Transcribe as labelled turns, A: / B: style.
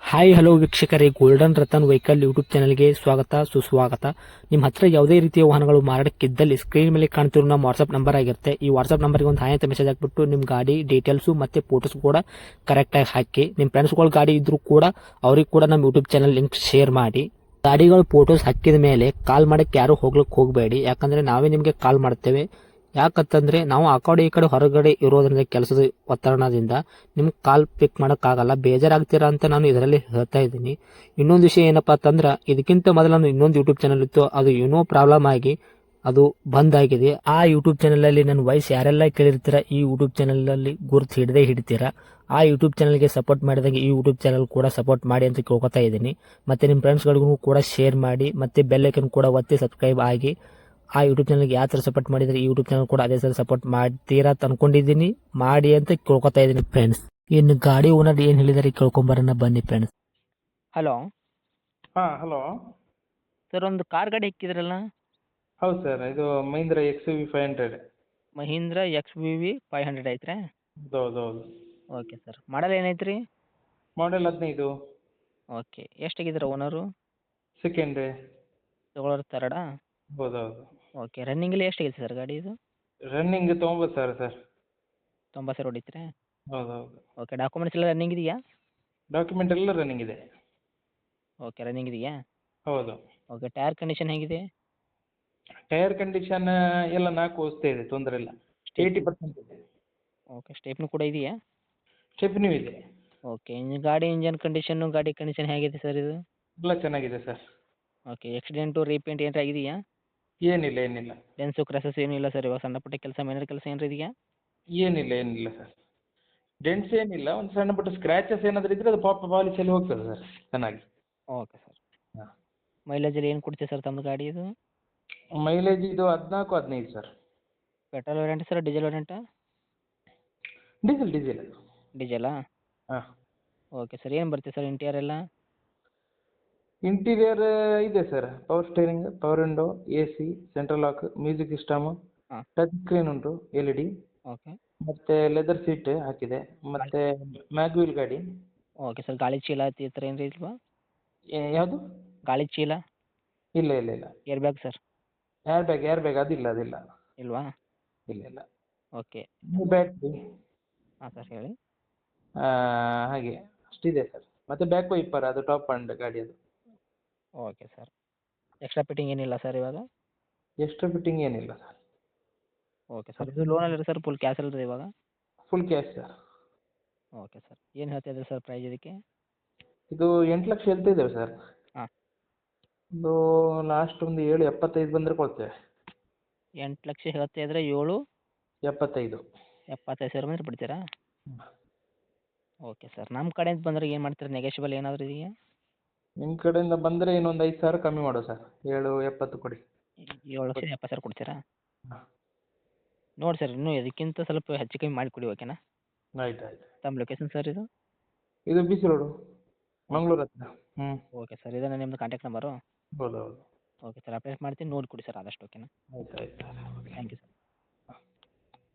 A: Hi hello ವೀಕ್ಷಕರೇ, golden Ratan vehicle YouTube ಚಾನಲ್ಗೆ ಸ್ವಾಗತ ಸುಸ್ವಾಗತ. ನಿಮ್ಮ ಹತ್ರ ಯಾವುದೇ ರೀತಿಯ ವಾಹನಗಳು ಮಾರಾಟಕ್ಕಿದ್ದಲ್ಲಿ ಸ್ಕ್ರೀನ್ ಮೇಲೆ ಕಾಣ್ತಿರೋ ನಮ್ಮ ವಾಟ್ಸ್ಆಪ್ ನಂಬರ್ ಆಗಿರುತ್ತೆ. ಈ ವಾಟ್ಸ್ಆಪ್ ನಂಬರ್ಗೆ ಒಂದು ಹಾಯ್ ಅಂತ ಮೆಸೇಜ್ ಹಾಕ್ಬಿಟ್ಟು ನಿಮ್ಮ ಗಾಡಿ ಡೀಟೇಲ್ಸು ಮತ್ತೆ ಫೋಟೋಸ್ ಕೂಡ ಕರೆಕ್ಟಾಗಿ ಹಾಕಿ. ನಿಮ್ಮ ಫ್ರೆಂಡ್ಸ್ಗಳ ಗಾಡಿ ಇದ್ರೂ ಕೂಡ ಅವ್ರಿಗೆ ಕೂಡ ನಮ್ಮ ಯೂಟ್ಯೂಬ್ ಚಾನಲ್ ಲಿಂಕ್ ಶೇರ್ ಮಾಡಿ. ಗಾಡಿಗಳು ಫೋಟೋಸ್ ಹಾಕಿದ ಮೇಲೆ ಕಾಲ್ ಮಾಡಕ್ಕೆ ಯಾರು ಹೋಗ್ಲಿಕ್ಕೆ ಹೋಗಬೇಡಿ, ಯಾಕಂದ್ರೆ ನಾವೇ ನಿಮಗೆ ಕಾಲ್ ಮಾಡ್ತೇವೆ. ಯಾಕಂತಂದ್ರೆ ನಾವು ಆ ಕಡೆ ಈ ಕಡೆ ಹೊರಗಡೆ ಇರೋದ್ರಿಂದ ಕೆಲಸದ ಒತ್ತಡದಿಂದ ನಿಮ್ಗೆ ಕಾಲ್ ಪಿಕ್ ಮಾಡೋಕ್ಕಾಗಲ್ಲ, ಬೇಜಾರಾಗ್ತೀರಾ ಅಂತ ನಾನು ಇದರಲ್ಲಿ ಹೇಳ್ತಾ ಇದ್ದೀನಿ. ಇನ್ನೊಂದು ವಿಷಯ ಏನಪ್ಪಾ ಅಂತಂದ್ರೆ, ಇದಕ್ಕಿಂತ ಮೊದಲು ನಾನು ಇನ್ನೊಂದು ಯೂಟ್ಯೂಬ್ ಚಾನಲ್ ಇತ್ತು, ಅದು ಏನೋ ಪ್ರಾಬ್ಲಮ್ ಆಗಿ ಅದು ಬಂದ್ ಆಗಿದೆ. ಆ ಯೂಟ್ಯೂಬ್ ಚಾನಲ್ ಅಲ್ಲಿ ನನ್ನ ವಾಯ್ಸ್ ಯಾರೆಲ್ಲ ಕೇಳಿರ್ತೀರಾ, ಈ ಯೂಟ್ಯೂಬ್ ಚಾನಲ್ ಅಲ್ಲಿ ಗುರುತು ಹಿಡದೇ ಹಿಡಿತೀರಾ. ಆ ಯೂಟ್ಯೂಬ್ ಚಾನಲ್ಗೆ ಸಪೋರ್ಟ್ ಮಾಡಿದಾಗ ಈ ಯೂಟ್ಯೂಬ್ ಚಾನಲ್ ಕೂಡ ಸಪೋರ್ಟ್ ಮಾಡಿ ಅಂತ ಕೇಳ್ಕೊತಾ ಇದ್ದೀನಿ. ಮತ್ತೆ ನಿಮ್ಮ ಫ್ರೆಂಡ್ಸ್ಗಳಿಗೂ ಕೂಡ ಶೇರ್ ಮಾಡಿ, ಮತ್ತೆ ಬೆಲ್ ಐಕನ್ ಕೂಡ ಒತ್ತಿ ಸಬ್ಸ್ಕ್ರೈಬ್ ಆಗಿ. ಆ ಯೂಟ್ಯೂಬ್ ಚಾನಲ್ಗೆ ಯಾವ ಥರ ಸಪೋರ್ಟ್ ಮಾಡಿದ್ರೆ ಈ ಯೂಟ್ಯೂಬ್ ಚಾನಲ್ ಕೂಡ ಅದೇ ಥರ ಸಪೋರ್ಟ್ ಮಾಡ್ತೀರಾ ಅಂತ ಅನ್ಕೊಂಡಿದ್ದೀನಿ. ಮಾಡಿ ಅಂತ ಕೇಳ್ಕೊತಾ ಇದ್ದೀನಿ ಫ್ರೆಂಡ್ಸ್. ಇನ್ನು ಗಾಡಿ ಓನರ್ ಏನು ಹೇಳಿದಾರೆ ಕೇಳ್ಕೊಂಬರೋಣ ಬನ್ನಿ ಫ್ರೆಂಡ್ಸ್. ಹಲೋ
B: ಹಾಂ ಹಲೋ.
A: ಸರ್, ಒಂದು ಕಾರ್ ಗಾಡಿ ಇಕ್ಕಿದ್ರಲ್ಲ,
B: ಹೌದು ಸರ್, ಇದು Mahindra X V 500.
A: Mahindra XUV 500 ಐತ್ರಿ?
B: ಹೌದು ಹೌದು.
A: ಓಕೆ ಸರ್, ಮಾಡಲ್ ಏನೈತ್ರಿ?
B: ಮಾಡೆಲ್ 15.
A: ಓಕೆ, ಎಷ್ಟಾಗಿದ್ದೀರ ಓನರು?
B: ಸೆಕೆಂಡ್.
A: ತಗೊಳ್ಳೋರು ತರ್ಡಾ?
B: ಹೌದು ಹೌದು.
A: ಓಕೆ, ರನ್ನಿಂಗಲ್ಲಿ ಎಷ್ಟಾಗಿದೆ ಸರ್ ಗಾಡಿ ಇದು?
B: Running 90,000 sir.
A: 90,000 ಹೊಡಿತ್ರಿ?
B: ಹೌದು ಹೌದು.
A: ಓಕೆ, ಡಾಕ್ಯುಮೆಂಟ್ಸ್ ಎಲ್ಲ ರನ್ನಿಂಗ್ ಇದೆಯಾ?
B: ಡಾಕ್ಯುಮೆಂಟ್ ಎಲ್ಲ ರನ್ನಿಂಗ್ ಇದೆ.
A: ಓಕೆ, ರನ್ನಿಂಗ್ ಇದೆಯಾ?
B: ಹೌದು.
A: ಓಕೆ, ಟೈರ್ ಕಂಡೀಷನ್ ಹೇಗಿದೆ?
B: ಟೈರ್ ಕಂಡೀಷನ್ ಎಲ್ಲ 4 ವಸ್ತು ಇದೆ, ತೊಂದರೆ ಇಲ್ಲ. 80% ಇದೆ.
A: ಓಕೆ, ಸ್ಟೆಪ್ನು ಕೂಡ ಇದೆಯಾ?
B: ಸ್ಟೆಪ್ನೂ ಇದೆ.
A: ಓಕೆ, ಗಾಡಿ ಇಂಜನ್ ಕಂಡೀಷನ್ನು, ಗಾಡಿ ಕಂಡೀಷನ್ ಹೇಗಿದೆ ಸರ್ ಇದು?
B: ಎಲ್ಲ ಚೆನ್ನಾಗಿದೆ ಸರ್.
A: ಓಕೆ, ಆಕ್ಸಿಡೆಂಟು ರೀಪೇಂಟ್ ಏನಾರ ಆಗಿದೆಯಾ?
B: ಏನಿಲ್ಲ ಏನಿಲ್ಲ.
A: ಡೆನ್ಸು ಕ್ರಸಸ್ ಏನೂ ಇಲ್ಲ ಸರ್? ಇವಾಗ ಸಣ್ಣ ಪುಟ್ಟ ಕೆಲಸ, ಮೈನರ್ ಕೆಲಸ ಏನಾರ ಇದೆಯಾ?
B: ಏನಿಲ್ಲ ಏನಿಲ್ಲ ಸರ್. ಡೆಂಟ್ಸ್ ಏನಿಲ್ಲ, ಒಂದು ಸಣ್ಣ ಪುಟ್ಟ ಸ್ಕ್ರ್ಯಾಚಸ್ ಏನಾದರೂ ಇದ್ದರೆ ಅದು ಪಾಲಿಶಲ್ಲಿ ಹೋಗ್ತದೆ ಸರ್ ಚೆನ್ನಾಗಿ.
A: Okay sir.
B: ಹಾಂ.
A: ಮೈಲೇಜಲ್ಲಿ ಏನು ಕೊಡ್ತೀವಿ ಸರ್ ತಮ್ಮದು ಗಾಡಿ ಇದು?
B: ಮೈಲೇಜ್ ಇದು 14-15 sir.
A: Petrol variant sir, diesel ವೇರಿಯಂಟಾ?
B: Diesel diesel.
A: ಡೀಸೆಲಾ?
B: ಹಾಂ.
A: ಓಕೆ ಸರ್, ಏನು ಬರುತ್ತೆ ಸರ್ ಇಂಟೀರಿಯರ್ ಎಲ್ಲ?
B: ಇಂಟೀರಿಯರ್ ಇದೆ sir, power steering, power window, AC, central lock, music system,
A: ಹಾಂ.
B: ಟಚ್ ಸ್ಕ್ರೀನ್ ಉಂಟು, LED,
A: ಓಕೆ.
B: ಮತ್ತು ಲೆದರ್ ಸೀಟ್ ಹಾಕಿದೆ, ಮತ್ತು ಮ್ಯಾಗ್ವೀಲ್ ಗಾಡಿ.
A: ಓಕೆ ಸರ್, ಗಾಳಿ ಚೀಲ ಈ ಥರ ಏನಾರ ಇಲ್ವಾ?
B: ಯಾವುದು?
A: ಗಾಳಿ ಚೀಲ?
B: ಇಲ್ಲ ಇಲ್ಲ ಇಲ್ಲ.
A: Air bag sir?
B: Air bag ಅದಿಲ್ಲ ಅದಿಲ್ಲ.
A: ಇಲ್ವಾ?
B: ಇಲ್ಲ ಇಲ್ಲ.
A: ಓಕೆ.
B: ಬ್ಯಾಟ್ರಿ.
A: ಹಾಂ ಸರ್, ಹೇಳಿ.
B: ಹಾಗೆ ಅಷ್ಟಿದೆ ಸರ್. ಮತ್ತು ಬ್ಯಾಕ್ ವೈಪರ್, ಅದು ಟಾಪ್ ಅಂಡ್ ಗಾಡಿ ಅದು.
A: Okay sir. ಎಕ್ಸ್ಟ್ರಾ ಫಿಟ್ಟಿಂಗ್ ಏನಿಲ್ಲ ಸರ್ ಇವಾಗ?
B: ಎಕ್ಸ್ಟ್ರಾ ಫಿಟ್ಟಿಂಗ್ ಏನಿಲ್ಲ ಸರ್.
A: ಓಕೆ ಸರ್, ಇದು ಲೋನಲ್ಲಿ ಸರ್ ಫುಲ್ ಕ್ಯಾಶ್ ಅಲ್ಲರಿ ಇವಾಗ?
B: Full cash sir.
A: Okay sir, ಏನು ಹೇಳ್ತಾ ಇದ್ದೀರಿ ಸರ್ ಪ್ರೈಸ್ ಇದಕ್ಕೆ?
B: ಇದು 8 ಲಕ್ಷ ಹೇಳ್ತಾ ಇದ್ದೇವೆ ಸರ್.
A: ಹಾಂ.
B: ಒಂದು ಲಾಸ್ಟ್ ಒಂದು 7.75 ಬಂದರೆ ಕೊಡ್ತೇವೆ.
A: 8 ಲಕ್ಷ ಹೇಳ್ತಾ ಇದ್ರೆ 7
B: 75.
A: 75,000 ಬಂದರೆ ಬಿಡ್ತೀರಾ?
B: ಹ್ಮ್.
A: ಓಕೆ ಸರ್, ನಮ್ಮ ಕಡೆಯಿಂದ ಬಂದರೆ ಏನು ಮಾಡ್ತೀರಾ? ನೆಗೋಷಿಯಬಲ್ ಏನಾದರೂ ಇದೆಯಾ?
B: ನಿಮ್ಮ ಕಡೆಯಿಂದ ಬಂದರೆ ಇನ್ನೊಂದು 5,000 ಕಮ್ಮಿ ಮಾಡುವ ಸರ್. 7.70 ಕೊಡಿ.
A: 7,70,000 ಕೊಡ್ತೀರಾ?
B: ಹಾಂ.
A: ನೋಡಿ ಸರ್, ಇನ್ನೂ ಇದಕ್ಕಿಂತ ಸ್ವಲ್ಪ ಹೆಚ್ಚು ಕಮ್ಮಿ ಮಾಡಿ ಕೊಡಿ, ಓಕೆನಾ?
B: ಆಯ್ತು ಆಯ್ತು.
A: ತಮ್ಮ ಲೊಕೇಶನ್ ಸರ್ ಇದು?
B: ಇದು BC ರೋಡು, ಮಂಗಳೂರು ಹತ್ರ. ಹ್ಞೂ.
A: ಓಕೆ ಸರ್, ಇದೇನಾ ನಿಮ್ಮದು ಕಾಂಟ್ಯಾಕ್ಟ್ ನಂಬರು?
B: ಹೌದು ಹೌದು.
A: ಓಕೆ ಸರ್, ಅಪ್ಡೇಟ್ ಮಾಡ್ತೀನಿ, ನೋಡಿ ಕೊಡಿ ಸರ್ ಆದಷ್ಟು, ಓಕೆನಾ?
B: ಆಯ್ತು ಆಯ್ತು ಸರ್.
A: Thank you sir.